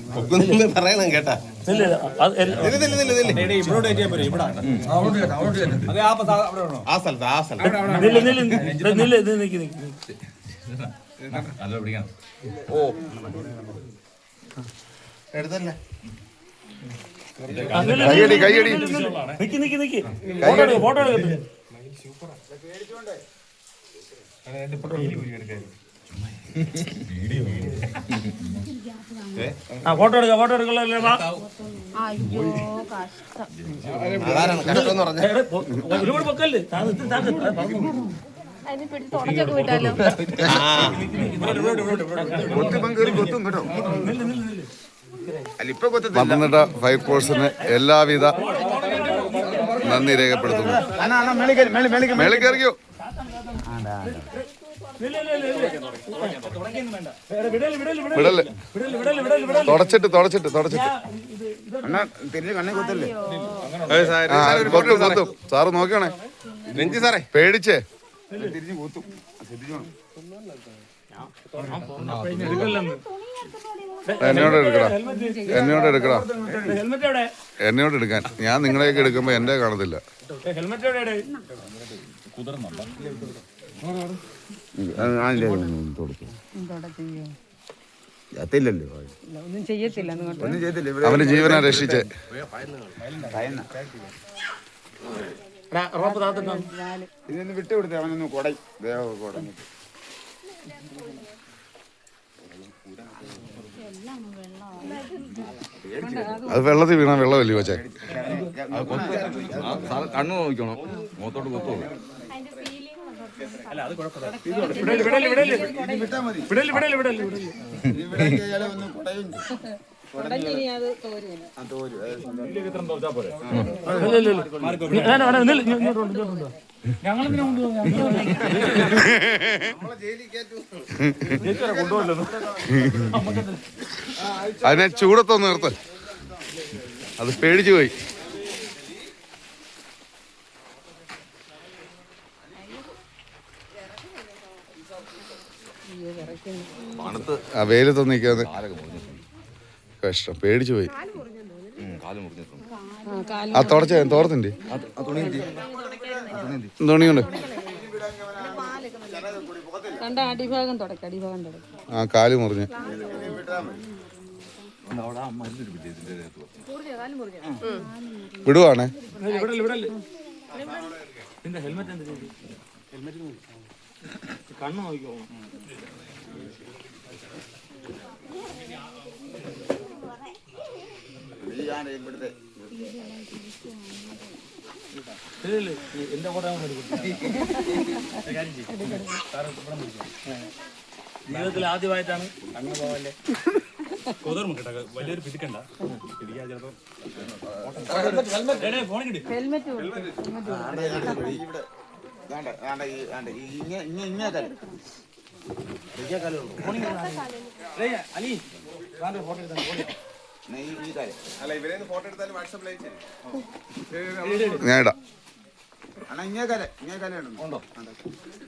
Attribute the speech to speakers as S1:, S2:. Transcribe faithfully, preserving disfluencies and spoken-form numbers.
S1: പറയണം കേട്ടാ. എടുത്തല്ലേ
S2: കൈയടി കൈയടി
S3: നിക്ക് നിക്ക് നിക്ക് ഫോട്ടോ എടുക്ക ഫോട്ടോ എടുക്ക ആ ഫോട്ടോ എടുക്ക ഫോട്ടോ എടുക്കല്ലോ ഒരുപാട് പൊക്കല്ലേ
S2: പത്തനംതിട്ട ഫയർ ഫോഴ്സിന് എല്ലാവിധ നന്ദി രേഖപ്പെടുത്തുന്നു. മേളിൽ കയറിയോ? വിടല്ലേ തുടച്ചിട്ട് തുടച്ചിട്ട് തുടച്ചിട്ട് കൊത്തും കൊത്തും. സാറ് നോക്കണേ
S1: രഞ്ജി സാറേ
S2: പേടിച്ചേ. എന്നോട് എടുക്കടാ എന്നോട് എടുക്കടാ എന്നോട് എടുക്കാൻ. ഞാൻ നിങ്ങളെയൊക്കെ എടുക്കുമ്പോ എന്റെ കാണത്തില്ല. അവന്റെ ജീവനെ രക്ഷിച്ചേ.
S4: വിട്ടുകൊടുത്തേ അവനൊന്ന് കൊടൈ കൊട
S2: അത് വെള്ളത്തിൽ വീണ വെള്ളമല്ലേ കൊച്ചേ?
S5: കണ്ണു നോക്കണം, മുഖത്തോട്ട് കൊത്തു.
S2: അതിനെ ചൂടത്തൊന്ന് നിർത്ത്. അത് പേടിച്ചു പോയി. ആ വെയിലത്തൊന്ന് നിൽക്കാതെ കഷ്ടം, പേടിച്ചു പോയി. ആ തുടച്ച തോർത്തിൻ്റെ തുണിയുണ്ട്. ആ കാല് മുറിഞ്ഞ് വിടുവാണേ.
S3: കണ്ണു നോക്കിക്കോ. എന്റെ കൂടെ ജീവിതത്തിൽ ആദ്യമായിട്ടാണ് കണ്ണു പോവല്ലേ. കൊതർമ്മ കേട്ടോ, വലിയൊരു പിടിക്കണ്ട പിടിക്കാൻ ചിലപ്പോ
S2: ഞാൻ ഇടാം.
S4: ഇങ്ങനെ കാലം ഇങ്ങനെ കാലം ഉണ്ടോ?